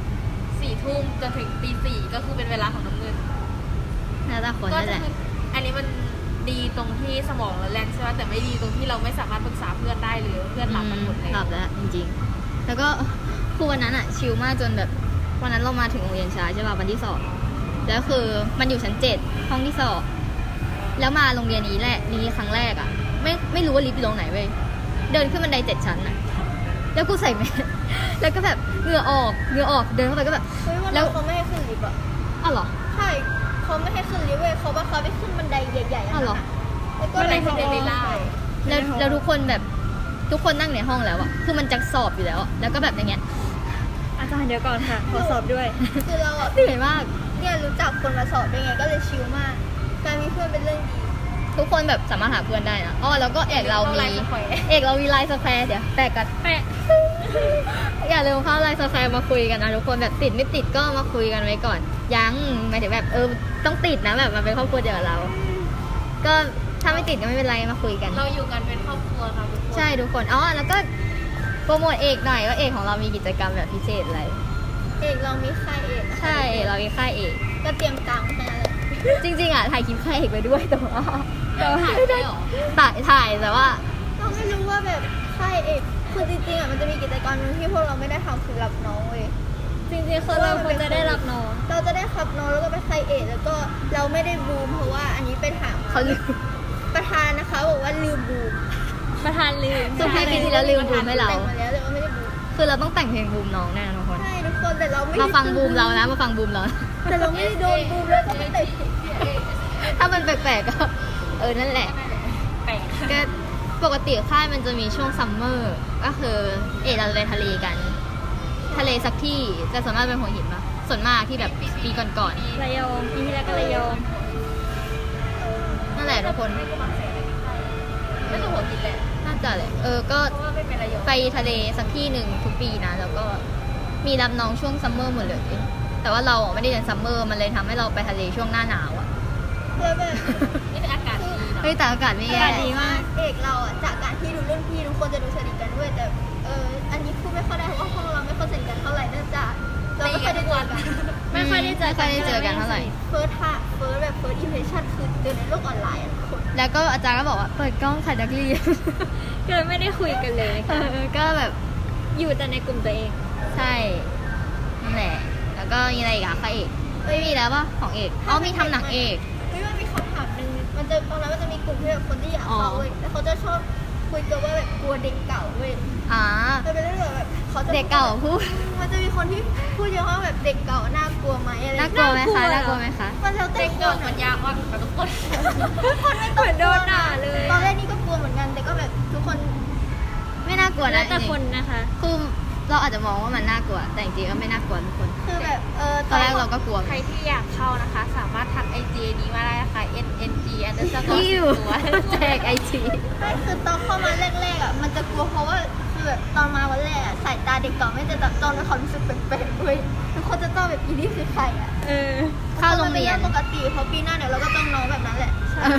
Speaker 3: 4 ทุ่มจนถึงตี 4ก็คือเป็นเวลาของน้ำเงิน
Speaker 2: น่าจะคน
Speaker 3: ก็
Speaker 2: นั่นแห
Speaker 3: จะ
Speaker 2: ละ
Speaker 3: คืออันนี้มันดีตรงที่สมองเราแล่นใช่ไหมแต่ไม่ดีตรงที่เราไม่สามารถปรึกษาเพื่อนได้เลยเพื่อนหลับกันหมดเลย
Speaker 2: หลับแล้วจริงๆ แล้วก็คือวันนั้นอะชิลมากจนแบบวันนั้นเรามาถึงโรงเรียนช้าใช่ป่ะวันที่สอบแล้วคือมันอยู่ชั้น7ห้องที่สอบแล้วมาโรงเรียนนี้แหละนี้ครั้งแรกอะไม่รู้ว่าลิฟต์อยู่ตรงไหนเว้ยเดินขึ้นบันได7 ชั้นอะแล้วกูใส่แมส แล้วก็แบบเหงื่อออกเดินเข้าไปก็แบบ
Speaker 1: เฮ้ยวัน
Speaker 2: แล้
Speaker 1: นั้
Speaker 2: ว
Speaker 1: นเขาไม่ให้ขึ้นลิฟต์อ่ะ
Speaker 2: อ้าวเหรอ
Speaker 1: ใช่เขาไม่ให้ขึ้นลิฟต์เว้ยเขาว่าเขาไปขึ้นบันไดใหญ่ๆ
Speaker 2: อ้าวเหรอ
Speaker 1: แล้วก็
Speaker 3: บันได
Speaker 1: เขา
Speaker 3: เซนเดอเรลล่า
Speaker 2: แล้วทุกคนแบบทุกคนนั่งในห้องแล้วอะคือมันจะสอบอยู่แล้วอะแล้วก็แบบอย่างเงี้ย
Speaker 4: อาจารย์เดี๋ยวก่อนค่ะ ขอสอบด้วย
Speaker 1: คือเราอ่ะ
Speaker 2: เหนื่อยมาก
Speaker 1: เนี่ยรู้จักคนมาสอบด้วยไงก็เลยชิลมาก การมีเพื่อนเป็นเรื่องดี
Speaker 2: ทุกคนแบบสามารถหาเพื่อนได้นะอ๋อแล้วก็เอกเรามี เอกเรามีไลน์สแควร์เดี๋ยวแปะกัน
Speaker 4: แปะ
Speaker 2: อย่าลืมเข้าไลน์สแควร์มาคุยกันนะทุกคนแบบติดไม่ติดก็มาคุยกันไว้ก่อน ยังหมายถึงแบบต้องติดนะแบบมาเป็นครอบครัวเดียวกับเรา ก็ถ้าไม่ติดก็ไม่เป็นไรมาคุยกัน
Speaker 3: เราอยู่กันเป็นครอบครัวค่ะทุกคน
Speaker 2: ใช่ทุกคนอ๋อแล้วก็โปรโมทเอกหน่อยว่าเอกของเรามีกิจกรรมแบบพิเศษอะไร
Speaker 1: เอกเรามีค่ายเอกนะคะ
Speaker 2: ใช่เอกเรามีค่ายเอก
Speaker 1: ก็เตรียมตังค์แค่นั้นแหละ
Speaker 2: จริงๆอ่ะถ่ายคลิปค่ายเอกไปด้วยแต่ว่า
Speaker 3: ถ่ายได้หรอ
Speaker 2: ถ่ายแต่ว่า
Speaker 1: เราไม่รู้ว่าแบบค่ายเอกคือจริงๆอ่ะมันจะมีกิจกรรมหนึงที่พวกเราไม่ได้ทำคือรับน้องเว้ย
Speaker 4: จริงๆคือเราควรจะได้รับน้อง
Speaker 1: เราจะได้ขับน้องแล้วก็ไปค่ายเอกแล้วก็เราไม่ได้บูมเพราะว่าอันนี้ไปถาม
Speaker 2: เขาลืม
Speaker 1: ประธานนะคะบอกว่าลืมบูม
Speaker 4: ประธานลืม
Speaker 2: สุดท้ายปีที่แล้วลืมบูมให้เรา
Speaker 1: แต่งมาแล้วแต่ว่าไม่ได้บูม
Speaker 2: คือเราต้องแต่งเพลงบูมน้องแน่นะทุกคน
Speaker 1: ใช่ทุกคนแต่เราไม่ได้
Speaker 2: มาฟังบูมเรานะมาฟังบูมเรา
Speaker 1: แต่เราไม่ได้โดนบูมแล้วก็ไม่ได้
Speaker 2: ถ้ามันแปลกๆก็นั่นแหละ
Speaker 3: แปลก
Speaker 2: ก็ปกติค่ายมันจะมีช่วงซัมเมอร์ก็คือเราจะไปทะเลกัน ทะเลสักที่จะส่วนมากเป็นหัวหินปะส่วนมากที่แบบปีก่อน
Speaker 4: ระยองปีที่แล้วก็ระยอง
Speaker 2: ๆนั่นแหละทุกคน
Speaker 3: ไม่ต้องหัวกินแหละ
Speaker 2: น่าจะเลยก็
Speaker 3: เพราะว่าไม่เป็นระยอง
Speaker 2: ไปทะเลสักที่หนึ่งทุกปีนะแล้วก็มีรับน้องช่วงซัมเมอร์หมดเลยแต่ว่าเราอ่ะไม่ได้เรียนซัมเมอร์มันเลยทำให้เราไปทะเลช่วงหน้าหนาวอ่ะ
Speaker 1: แล้วแบบ
Speaker 3: นี่เป็นอากาศดีเนาะ
Speaker 2: เฮ้ยแต่อากาศไม่
Speaker 4: อา
Speaker 2: แย่
Speaker 4: กาศดีมาก
Speaker 1: เอกเราอ่ะจากการที่ดูรุ่นพี่ทุกคนจะดูสนิทกันด้วยแต่อันนี้พูดไม่ค่อยได้เพราะว่าพวกเราไม่ค่อยสนิทกันเท่าไหร่เนื่องจากเราไม่ค่อยได้เจอกัน
Speaker 4: ไม่ค่อยได้เจอ
Speaker 2: ไม่ค่อยได้เจอกันเท่าไหร่
Speaker 1: เฟิร์สอิมเพรสชั่นคือเจอในโลกออนไลน์อ่ะทุกคน
Speaker 2: แล้วก็อาจารย์ก็บอกว่าเปิดกล้องค่ะนักเรียน
Speaker 4: เกิดไม่ได้คุยกันเลยค่ะ
Speaker 2: ก็แบบ
Speaker 4: อยู่แต่ในกลุ่มตัวเอง
Speaker 2: ใช่นั่นแหละแล้วก็มีอะไรอีกอะคะเอกไม่มีแล้วปะของเอกมีทำหนังเอก
Speaker 1: เฮ้ยมันมีคำถามหนึ่งมันจะตอนนั้นมันจะมีกลุ่มที่แบบคนที่อยาก
Speaker 2: อ๋อ
Speaker 1: เข้าเว้ยแล้วเขาจะชอบคุยกันว่าแบบกลัวเด็กเก่าเว้ย
Speaker 2: อ่า
Speaker 1: มันเป็นเรื่องแบบเขาจะ
Speaker 2: เด็กเก่าพูด
Speaker 1: มันจะมีคนที่พูดเยอะว่าแบบเด็กเก่าน่ากลัวไหมอะไร
Speaker 2: น่ากลัวไหมคะ
Speaker 4: น่า
Speaker 2: น่าก
Speaker 4: กลั
Speaker 2: ลัว
Speaker 4: ว
Speaker 2: ไหมคะ
Speaker 1: มันแล้วแต่
Speaker 3: เด็ก
Speaker 1: ค
Speaker 3: เก่าน มัน
Speaker 1: อะ
Speaker 3: ยากมากกับทุกคน
Speaker 1: ทุกคนไม่ต้อง
Speaker 4: เหมือนโดนด่าเลย
Speaker 1: ตอนแรกนี่ก็กลัวเหมือนกันแต่ก็แบบทุกคน
Speaker 2: ไม่น่ากลัว
Speaker 4: แล้
Speaker 2: นะ
Speaker 4: วแต่
Speaker 2: จริง
Speaker 4: คนนะคะ
Speaker 2: ๆคือเราอาจจะมองว่ามันน่ากลัว แต่จริงๆก็ไม่น่ากลัวทุกคน
Speaker 1: คือแบบ
Speaker 2: ตอนแรกเราก็กลัว
Speaker 3: ใครที่อยากเข้านะคะ สามารถทัก IG นี้มาได้นะคะ NNG__ตัว
Speaker 2: แจกไอจี
Speaker 1: ไม่คือตอนเข้ามาแรกๆอ่ะมันจะกลัวเพราะว่าคือแบบตอนมาวันแรกอะสายตาเด็กเก่าไม่จะจับจ้องแล้วเขารู้สึกแปลกๆเว้ยทุกคนจะจ้องแบบอีนี่คือใครอ่ะ
Speaker 2: เข้าโรงเรียน
Speaker 1: ปกติเพราะปีหน้าเดี๋ยวเราก็ต้องน้องแบบนั้นแหละ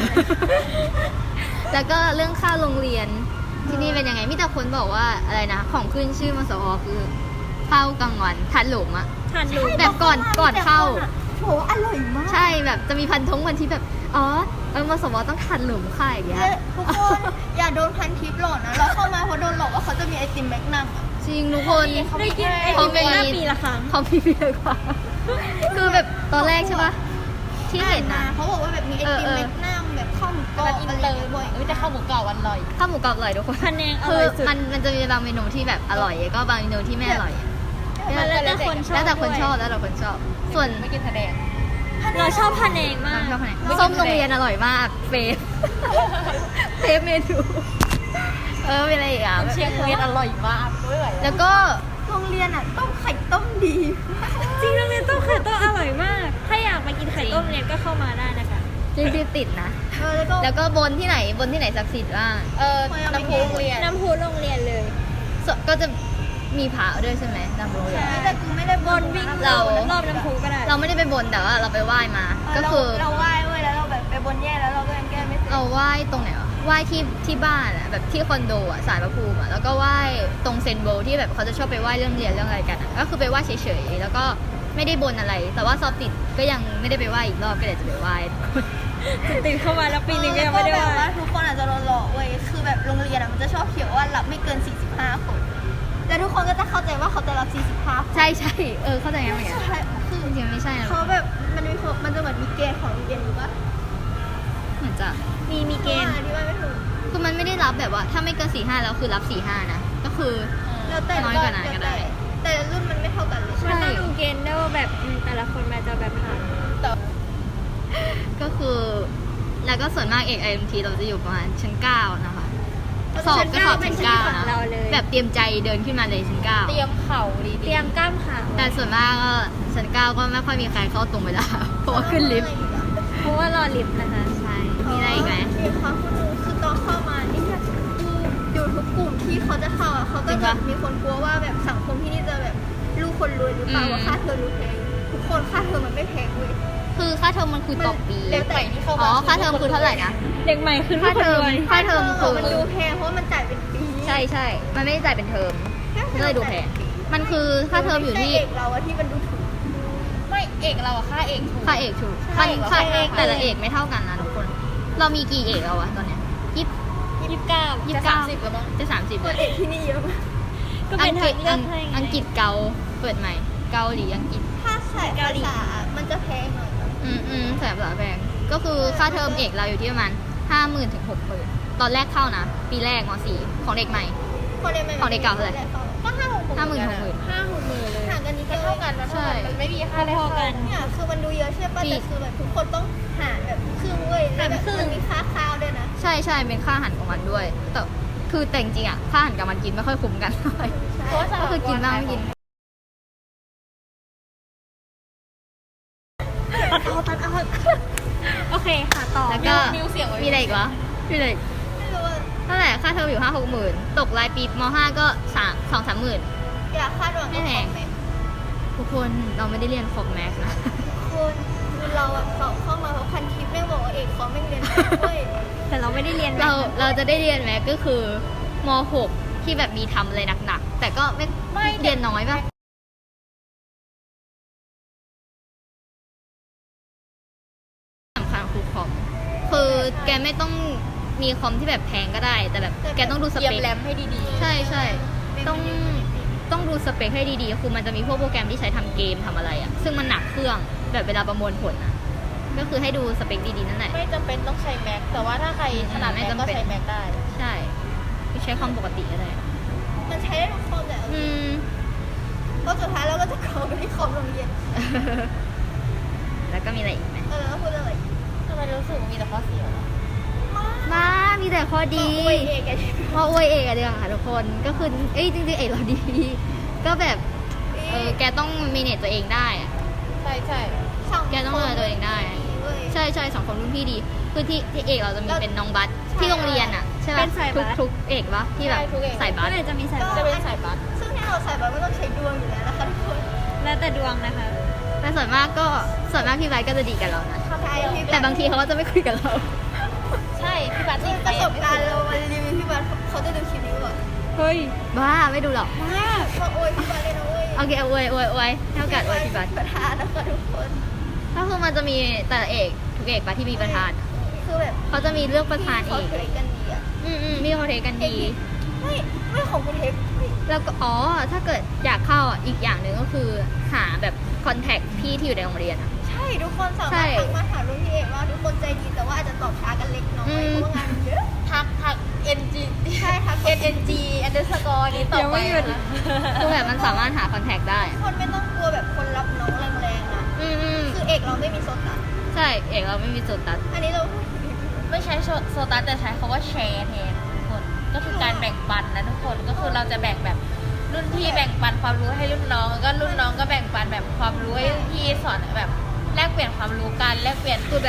Speaker 2: แล้วก็เรื่องค่าโรงเรียนที่นี่เป็นยังไงมีแต่คนบอกว่าอะไรนะของขึ้นชื่อมสวคือข้าวกลางวันทัดหลุมอะ
Speaker 4: ทานรู้
Speaker 2: แบบก่อนเข้า
Speaker 1: โหอร่อยมาก
Speaker 2: ใช่แบบจะมีพันธงวันที่แบบอ๋อมสวต้องทัดหลุมค่ายอย่างเงี้ย
Speaker 1: ทุกคนอย่าโดนพันทิปหลอกนะเราเข้ามาเพราะโดนหลอกว่าเขาจะมีไอติมแมกนัมอะ
Speaker 2: จริงทุกคน
Speaker 4: ได้กินไอ
Speaker 2: เขา
Speaker 4: ติม
Speaker 2: มี
Speaker 4: หน้าปีละครั้ง
Speaker 2: เขามีเยอะกว่าคือแบบตอนแรกใช่ปะที่เห็น
Speaker 1: มา
Speaker 2: นะ
Speaker 1: เขาบอกว่าแบบมีไอติมแมกนัมแบบข้าวหมูกรอบอะไรบ่อย
Speaker 3: จะเข้าหมูกรอบวันลอย
Speaker 2: ข้าวหมูกรอบอร่อยทุกคน
Speaker 4: คะแนนอ
Speaker 2: คื
Speaker 4: ร่
Speaker 2: อ
Speaker 4: อยสุด
Speaker 2: มันจะมีบางเมนูที่แบบอร่อยก็บางเมนูที่ไม่อร่อย
Speaker 4: มันแล้วแต่คนชอบ
Speaker 2: แล้วแต่คน
Speaker 4: ด้วย
Speaker 2: ชอบแล้วแต่คนชอบ ส่วน
Speaker 3: ไม่กินทะเล
Speaker 4: เราชอบพะแนงมาก
Speaker 2: ชอบอะไรส้มโรงเรียนอร่อยมากเฟฟเฟฟเมนูมีอะไรอีกอ่ะ
Speaker 3: เชียงเวียนอร่อยมากไม่ไหว
Speaker 2: แล้วก็
Speaker 1: โรงเรียนอ่ะต้มไข่ต้มดี
Speaker 4: จริงโรงเรียนต้มไข่ต้มอร่อยมาก ถ้าอยากมากินไข่ต้มเรียนก็เข้ามาได้นะคะ
Speaker 2: จริงๆติดนะ
Speaker 1: แล้วก็
Speaker 2: แล้วก็บนที่ไหนศักดิ์สิทธิ์บ้าง
Speaker 3: น้ำพุโรงเรียน
Speaker 4: น้ำพุโรงเรียนเลย
Speaker 2: ก็จะมีพระด้วยใช่ไหมตามโรงเรียน
Speaker 1: แต่กูไม่ได้
Speaker 4: บนวิ่ง
Speaker 2: เรา
Speaker 4: รอบน้ำพุก็ได้
Speaker 2: เราไม่ได้ไปบนแต่ว่าเราไปไหว้มา ก็คือ
Speaker 1: เราไหว้เว้ยแล้วเราแบบไปบนแย่แล้วเราก็ยังแก้ไม่เสร็จ
Speaker 2: เราไหว้ตรงไหนวะไหว้ที่บ้านอะแบบที่คอนโดอะศาลพระภูมิอะแล้วก็ไหว้ตรงเซนโบที่แบบเขาจะชอบไปไหว้เรื่องเรียนเรื่องอะไรกันอะก็คือไปไหว้เฉยๆแล้วก็ไม่ได้บนอะไร แต่ว่าสอบติดก็ยังไม่ได้ไปไหว้อีกรอบก็เดี๋ยวจะไปไหว้
Speaker 4: ติดเข้ามาแล้วปีหนึ่งก็ยังไม่ได้
Speaker 1: แบบ
Speaker 4: ว่า
Speaker 1: ว่าทุกคนอาจจะโดนหลอกเว้ยคือแบบโรงเรียนอะมันจะชอบเขียนว่ารับไม่เกิน 45 คนแล้วทุกคนก็จะเข้าใจว่าเขาจะรับ 45 คน
Speaker 2: ใช่เข้าใจยังไง
Speaker 1: ใช่คือ
Speaker 2: จริงๆไม่ใช่นะ
Speaker 1: เขาแบบมันจะเหมือนมีเกณฑ์ของโรงเรียนอยู่ปะ
Speaker 2: เหมือนจะ
Speaker 4: มีเกณฑ์
Speaker 1: อธิบายไม่ถูก
Speaker 2: คือมันไม่ได้รับแบบว่าถ้าไม่เกิน4-5แล้วคือรับ4-5นะก็คือ
Speaker 1: แล้วแต่
Speaker 2: น้อยกว่านั้นก็ได้
Speaker 1: แต่รุ่นมันไม่เท่ากันเลย
Speaker 4: มันต้องดูเกณฑ์ด้วยว่าแบบแต่ละคนมันจะแบบผ่าน
Speaker 2: ก็คือแล้วก็ส่วนมากเอก IMT เราจะอยู่ประมาณชั้น9นะคะสอบก็สอบชั้น9นะแบบเตรียมใจเดินขึ้นมาเลยชั้น9
Speaker 3: เตรียมเข่าดี
Speaker 4: เตรียมกล้ามขา
Speaker 2: แต่ส่วนมากก็ชั้น9ก็ไม่ค่อยมีใครเข้าตรงเวลา เพราะว่าขึ้นลิฟต์
Speaker 4: เพราะว่ารอลิฟต์นะคะ
Speaker 2: ใช่มีอะไรอีกไหม
Speaker 1: มีความคุณรู้คือตอนเข้ามานี่แบบอยู่ทุกกลุ่มที่เขาจะเข้าอ่ะเขาก็จะมีคนกลัวว่าแบบสังคมที่นี่จะแบบลูกคนรวยหรือเปล่าว่าค่าเทอมรู้แพงทุกคนค่าเทอมมันไม่แพงเว้ย
Speaker 2: คือค่าเทอมมันคือต่อปี
Speaker 1: แล้วแต่ที่เข้ามา
Speaker 2: อ๋อค่าเทอมคือเท่าไหร่นะ
Speaker 4: เด็กใหม่ขึ้น
Speaker 2: ค่าเทอม
Speaker 4: ทุกคน
Speaker 2: ค่าเทอมคือ
Speaker 1: มันดูแพงเพราะว่ามันจ่ายเป็นปี
Speaker 2: ใช่มันไม่ได้จ่ายเป็นเทอมก็เลยดูแพงมันคือค่าเทอมอยู่ที่
Speaker 1: เอกเราอะที่มันดูถูก
Speaker 3: ไม่เอกเราอะค่าเอกถูก
Speaker 2: ค่าเอกถูก
Speaker 3: ใช่
Speaker 2: มัน
Speaker 3: ค่า
Speaker 2: ค่า
Speaker 3: เอก
Speaker 2: แต่ละเอกไม่เท่ากันนะทุกคน เรามีกี่เอกแล้ววะตอนเนี้ยยี่สิบ
Speaker 4: 29
Speaker 3: จะ30แล้วมั้ง
Speaker 2: จะ30
Speaker 1: ตัวเอกที่นี่เยอะมาก
Speaker 4: ก็เป็นทางเลือกให้ไง
Speaker 2: อังกฤษเกาเปิดใหม่ เกาหลีอังกฤษ
Speaker 1: ถ้าใส่ภาษามันจะแพงหน่อยนะ
Speaker 2: แสนภาษาแพงก็คือค่าเทอมเอกเราอยู่ที่ประมาณ 50,000 ถึง 60,000 ตอนแรกเข้านะ ปีแรกม .4 ของเด็กใหม่
Speaker 1: คนเรียนใหม่
Speaker 2: ของเด็กเก่าเท่าไหร่
Speaker 1: ก็50,000
Speaker 2: 50,000 60,000
Speaker 4: 50,000เลย
Speaker 1: ห่างกันนิดเดียว
Speaker 3: เท่ากันนะ
Speaker 2: ใช่
Speaker 3: มันไม่มีค่าได้
Speaker 4: พอๆกัน
Speaker 1: เนี่ยคือมันดูเยอะใช่ป่ะ
Speaker 2: ปี
Speaker 1: แต่คือแบบทุกคนต้องหารแบบครึ่งเว้ยแล้วแบบ
Speaker 4: หารครึ่ง
Speaker 1: มันมีค่าข้าวด้วยนะ
Speaker 2: ใช่เป็นค่าอาหารของมันด้วย แต่คือแต่จริงๆอ่ะค่าอาหารกับมันกินไม่ค่อยคุ้มกันเท่าไหร่
Speaker 3: เพราะว่า
Speaker 2: ก็คือกินบ้างไม่กิน
Speaker 4: โอเคค่ะต่อ
Speaker 2: แล้วก็
Speaker 3: มิวเสียงไว้
Speaker 2: มีอะไรอีกวะมีอะไรอีก
Speaker 1: ไม่รู้ว่า
Speaker 2: เท่าไหร่ค่าเทอมอยู่5-6หมื่นตกรายปีม5ก็2-3หมื่น
Speaker 1: อยากคาดหวังกับ
Speaker 2: ไม่แพง
Speaker 1: คอมเมนต์
Speaker 2: ทุกคนเราไม่ได้เรียนคอมแม็กนะ
Speaker 1: คุณคือเราอะสอบเข้ามาเพราะพันทิปแม่งบอกว่าเอกเขาไม่เรียนเว้ย
Speaker 4: แต่เราไม่ได้เรียน
Speaker 2: เราจะได้เรียนแม็กก็คือม6ที่แบบมีทำอะไรหนักๆแต่ก็ไม่เรียนน้อยป่ะสำคัญคือคอมคือแกไม่ต้องมีคอมที่แบบแพงก็ได้ แต่แบบแกต้องดูส
Speaker 3: เตรีย
Speaker 2: เป
Speaker 3: ม
Speaker 2: ค
Speaker 3: แรมให้ดี
Speaker 2: ใช่ต้องดูสเปคให้ดีๆ คือมันจะมีพวกโปรแกรมที่ใช้ทำเกมทำอะไรอะซึ่งมันหนักเครื่องแบบเวลาประมวลผลอะก็คือให้ดูสเปคดีๆนั่นแหละ
Speaker 3: ๆ ไม่จำเป็นต้องใช้แม็กแต่ว่าถ้าใครถนัด
Speaker 2: ไม่
Speaker 3: แม็ก
Speaker 2: จำ
Speaker 3: ก็
Speaker 2: เป็น
Speaker 3: ใช้แม็กได้
Speaker 2: ใช่ใช้คอมปกติก็ได้
Speaker 1: มันใช้ได้ทุกคอมแหละ
Speaker 2: อืม
Speaker 1: เพราะสุดท้ายเราก็จะเข้าไปที่คอมโรงเรียน
Speaker 2: แล้วก็มีอะไรอีกไหม
Speaker 1: แล้วพูดอะไร
Speaker 3: ทำไมรู้สึกว่ามีแต่ข้อเสียวะ
Speaker 2: มามีแต่ข้อดี
Speaker 1: โอ้ยเอกอะ
Speaker 2: เพราะอวยเอกอะเดียวค่ะทุกคนก็คือจริงๆเอกเราดี ก็แบบแกต้องมีเนตตัวเองได้อะ
Speaker 3: ใช่ใช่
Speaker 2: แกต้องดูแลตัวเองได้ ใช่สังคมรุ่นพี่ดี คือที่เอกเราจะมีเป็นน้องบัสที่โรงเรียนอะใช่ปะทุกเอกปะที่แบบใส่บั
Speaker 4: ก็
Speaker 2: ส
Speaker 4: เลยจะมีสาย
Speaker 3: จะเป็นสายบัส
Speaker 1: ซึ่งที่เราใส่แบบก็ต้องใช้ดวงอยู่แล้วนะคะทุกคน
Speaker 4: แล้วแต่ดวงนะคะ
Speaker 2: แต่ส่วนมากพี่ไบร์ทก็จะดีกับเรานะ
Speaker 1: ใช่พี่
Speaker 2: แต่บางทีเขาก็จะไม่คุยกับเรา
Speaker 3: ใช่พี่บัส
Speaker 1: ซึ่งประสบการณ์เรามารีวิวพี่บัสเขาจะดูคลิปนี้ก่อน
Speaker 4: เฮ้ย
Speaker 2: บ้าไม่ดูหรอก
Speaker 1: มากมาโอยพี่บัสเลยนะเว้ย
Speaker 2: โอเคอวยเท่ากับอวยพี่บัส
Speaker 1: ประธานนะคะทุกคน
Speaker 2: ก็คือมันจะมีแต่ละเอกทุกเอกปะที่มีประธาน
Speaker 1: คือแบบ
Speaker 2: เขาจะมีเลือกประธานเอ
Speaker 1: เขา
Speaker 2: ก
Speaker 1: เทคกันดีอะ
Speaker 2: มีเขาเทกันดี
Speaker 1: ไม่ของคุณเทค
Speaker 2: แล้วก็ถ้าเกิดอยากเข้าอีกอย่างหนึ่งก็คือหาแบบคอนแทคพี่ที่อยู่ในโรงเรียนอะ
Speaker 1: ใช่ทุกคนสามารถทักมาหารุ่นพี่เอกว่าทุกคนใจดีแต่ว่าอาจจะตอบช้ากันเล็กน้อยเพราะว่างานเยอะ
Speaker 3: ทัก NG
Speaker 1: ใช่ทัก
Speaker 3: NNG underscore นี้ต่อ
Speaker 4: ยัง
Speaker 3: ไป
Speaker 4: ไม่หยุด
Speaker 3: นะ
Speaker 2: คือแบบมันสามารถหาคอนแทคได้
Speaker 1: คนไม่ต้องกลัวแบบคนรับน้องแรงๆนะ
Speaker 2: อืม
Speaker 1: คือเอกเราไม่มีโซตัส
Speaker 2: ใช่เอกเราไม่มีจุดตัด
Speaker 1: อันนี้เรา
Speaker 3: ไม่ใช้โซตัสแต่ใช้คำว่าแชร์แทนทุกคน ก็คือการแบ่งปันนะทุกคน ก็คือเราจะแบ่งแบบรุ่นพี่แบ่งปันความรู้ให้รุ่นน้องแล้วก็รุ่นน้องก็แบ่งปันแบบความรู้ให้รุ่นพี่สอนแบบแลกเปลี่ยนความรู้กันแลกเปลี่ยน
Speaker 2: คือแบบ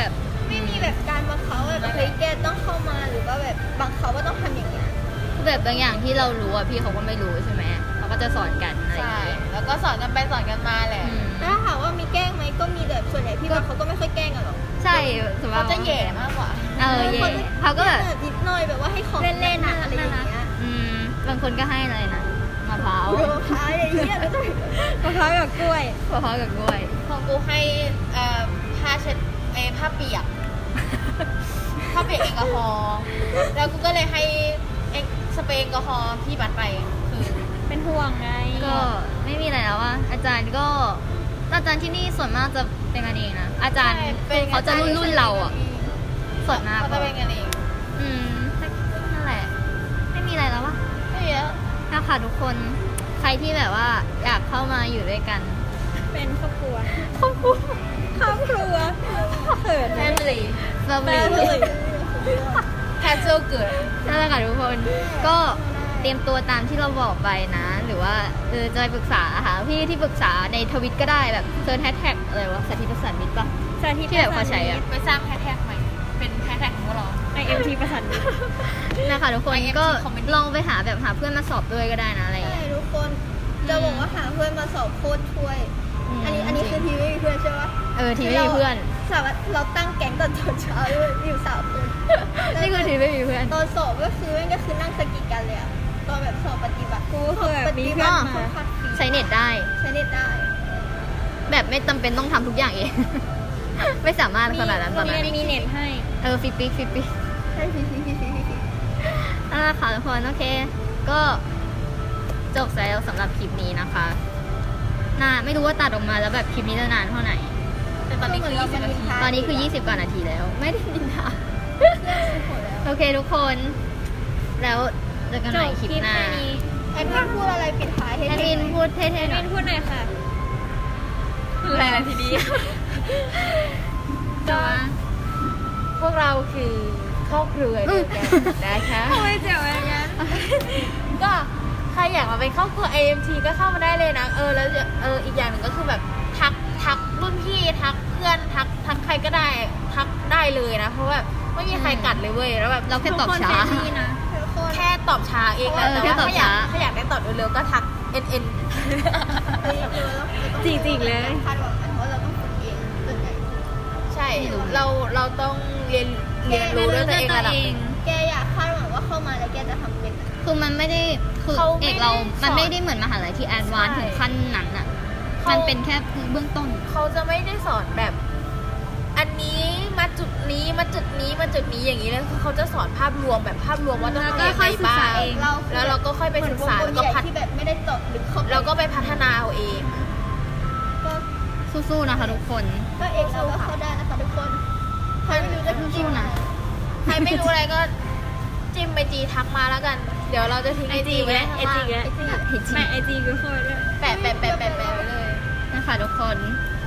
Speaker 1: ไม่มีแบบการบังคับแบบเฮ้ยแกต้องเข้ามาหรือว่าแบบบังคับว่าต้องทำอย่างเงี้ย
Speaker 2: คือแบบบางอย่างที่เรารู้อะพี่เขาก็ไม่รู้ใช่ไหมเขาก็จะสอนกันอะไรอย่าง
Speaker 3: ใช่
Speaker 2: เงี้ย
Speaker 3: แล้วก็สอนกันไปสอนกันมาแหละ
Speaker 2: อืม
Speaker 1: ถ้าถามว่ามีแกล้งไหมก็มีแบบส่วนใหญ่พี่ว่าเขาก็ไม่ค่อยแกล้งกันหรอก
Speaker 2: ใช่สมม
Speaker 3: เขา
Speaker 2: ติ
Speaker 3: จะแหย่มากกว่า
Speaker 2: เออเย่เขาก็แบบ
Speaker 1: นิดหน่อยแบบว่าให้ของ
Speaker 4: เล่นๆ
Speaker 1: หนักๆอะไรอย่างเงี้ย
Speaker 2: อืมบางคนก็ให้อะไรนะมะพร้าว
Speaker 1: โยพายอย่างเงี้ยแล้วก็
Speaker 4: มะพร้าวกับกล้วย
Speaker 2: มะพร้าวกับกล้วย
Speaker 3: ของกูให้ผ้าเช็ดผ้าเปียก ผ้าเปียกแอลกอฮอล์แล้วกูก็เลยให้สเปรย์แอลกอฮอล์พี่บัตรไปคือ
Speaker 4: เป็นห่วงไง
Speaker 2: ก็ไม่มีอะไรแล้วว่าอาจารย์ที่นี่ส่วนมากจะเป็นกันเองนะอาจารย์คือเขาจะรุ่นเราอ่ะส่วนมาก
Speaker 3: เขา
Speaker 2: ก็
Speaker 3: จะเป็นกันเอง
Speaker 2: อืมนั่นแหละ ไม่มีอะไรแล้ววะ
Speaker 3: ไม่เยอะ
Speaker 2: นะคะทุกคนใครที่แบบว่าอยากเข้ามาอยู่ด้วยกัน
Speaker 4: เป็นครอบครัว ครอบครัวเขิน
Speaker 3: แฟ
Speaker 4: นะ
Speaker 3: มิลี่
Speaker 2: เราไป
Speaker 3: แคสเซลเกิด
Speaker 2: นั่นแหละค่ะทุกคนก็เตรียมตัวตามที่เราบอกไปนะ หรือว่าจะไปปรึกษาหาพี่ที่ปรึกษาในทวิตก็ได้แบบเซิร์ชแฮชแท็กอะไรวะสาธิตประสานมิตรปะ
Speaker 4: สาธิต
Speaker 2: ที่แบบเขาใช้อะ
Speaker 3: ไปสร้างแฮชแท็กใหม่ เป็นแฮชแท็กของพวกเรา
Speaker 4: IMT ประสานมิตร
Speaker 2: นะคะทุกคน
Speaker 3: IMT
Speaker 2: ก็
Speaker 3: Comedy
Speaker 2: ลองไปหาแบบหาเพื่อนมาสอบด้วยก็ได้นะอะไรอย่าง
Speaker 1: ใช่
Speaker 2: เงี้ย
Speaker 1: ทุกคนจะบอกว่าหาเพื่อนมาสอบโคตรช่วย อันนี้คือทีไม่มีเพื่อนใช่ปะ
Speaker 2: ทีไม่มีเพื่อน
Speaker 1: สามารถเราตั้งแก๊งตอนเช้าด้วยอยู่3 คน
Speaker 2: นี่คือทีไม่มีเพื่อน
Speaker 1: ตอนสอบก็คือนั่งสกิดกันเลยอะตอนแบบสอบปฏิบัติ
Speaker 4: กูคือแบบมีเพื่อน
Speaker 1: ค่
Speaker 4: มา
Speaker 1: อนข้างฟรี
Speaker 2: ใช้เน็ตได้
Speaker 1: ใช้เน็ตได้
Speaker 2: แบบไม่จำเป็นต้องทำทุกอย่างเอง ไม่สามารถขนาดนั้นตอน
Speaker 4: โรง
Speaker 2: นั้น
Speaker 4: เรียนมีเน็ตให้
Speaker 2: ฟิปปิ๊ก
Speaker 1: ใช่ฟรี
Speaker 2: นั่นแหละค่ะทุกคนโอเค ก็จบแล้วสำหรับคลิปนี้นะคะไม่รู้ว่าตัดออกมาแล้วแบบคลิปนี้จะนานเท่าไหร่
Speaker 3: แต่ตอนนี้คือ20 นาที
Speaker 2: ตอนนี้คือ20กว่านาทีแล้ว ไม่ได้นินทา โอเคทุกคน แล้วเจอกัน
Speaker 4: จ
Speaker 2: ใหม่
Speaker 4: บ
Speaker 2: คลิป
Speaker 4: คลิป
Speaker 2: หน้า
Speaker 4: แค่นี้
Speaker 1: แอดมินพูดอะไรปิดท้ายให้
Speaker 2: แอดมินพูดเท่ๆหน่อย
Speaker 4: พูดหน่อยค่ะ
Speaker 3: คืออะไรล่ะทีนี้
Speaker 2: จะว่า
Speaker 3: พวกเราคือครอบครัวเดียวกันนะคะ
Speaker 4: ทำไมเจ๋วอย่างนั้น
Speaker 3: ก็ใครอยากมาเป็นครอบครัว AMT ก็เข้ามาได้เลยนะ แล้วอีกอย่างหนึ่งก็คือแบบทักรุ่นพี่ทักเพื่อนทักใครก็ได้ทักได้เลยนะ เพราะแบบไม่มีใครกัดเลยเว้ยแล้วแบบ
Speaker 2: เราแค่ตอบช้า
Speaker 4: ทุกคนเฟรนลี่นะ
Speaker 1: ทุกคน
Speaker 3: แค่ตอบช้าเองนะ
Speaker 2: เออ
Speaker 3: แต่
Speaker 2: แค่
Speaker 3: ว่า
Speaker 2: ตอบช้า
Speaker 3: ถ้าอยากได้ตอบเร็วๆก็ทัก NN
Speaker 4: จริงๆเลย
Speaker 1: คาดหวังนะเพราะเราต้องฝึกเองส่วนใหญ่
Speaker 3: ใช่เราต้องเรียนรู้ด้วยตัวเองระดับหนึ่ง
Speaker 1: แกอยากคาดหวังว่าเข้ามาแล้วแกจะทำเป็น
Speaker 2: คือมันไม่ได้คือ
Speaker 3: เขาไม่
Speaker 2: เอก
Speaker 3: ได้
Speaker 2: เรา
Speaker 3: สอน
Speaker 2: มันไม่ได้เหมือนมหาลัยที่แอดวานซ์
Speaker 3: ใช่
Speaker 2: ถึงขั้นนั้นอ่ะ
Speaker 3: เขามั
Speaker 2: มันเป็นแค่เบื้องต้น
Speaker 3: เขาจะไม่ได้สอนแบบ อันนี้มาจุดนี้มาจุดนี้มาจุดนี้อย่างนี้เลยคือเขาจะสอนภาพรวมแบบภาพรวมว่าต้อง
Speaker 4: แล้ว
Speaker 3: ทำ
Speaker 4: ก็
Speaker 3: ยัง
Speaker 4: ค่
Speaker 3: ไง
Speaker 4: อยศึก
Speaker 3: บ้า
Speaker 4: ษาง เอง
Speaker 3: แล้วเราก็ค่อยไปศึกษาแล้วก็
Speaker 1: ใหญ่ที่แบบไม่ได้เจาะลึกเข้าไป
Speaker 3: เราก็ไปพัฒนาเอาเอง
Speaker 1: ก็
Speaker 2: สู้ๆนะคะทุกคน
Speaker 1: ก็เองเราก็เข้าได้นะคะทุกคนใครไม่รู้จะจิ้มนะ
Speaker 3: ใครไม่รู้อะไรก็จิ้มไปจีทักมาแล้วกัน เดี๋ยวเราจะทิ้งไอจีไว้ข้างล่าง
Speaker 4: ไอจี
Speaker 2: ให้จริง
Speaker 4: ไม่ไอจีกูโคตรด้วย
Speaker 3: แปะไว้เลย
Speaker 2: นะคะทุกคน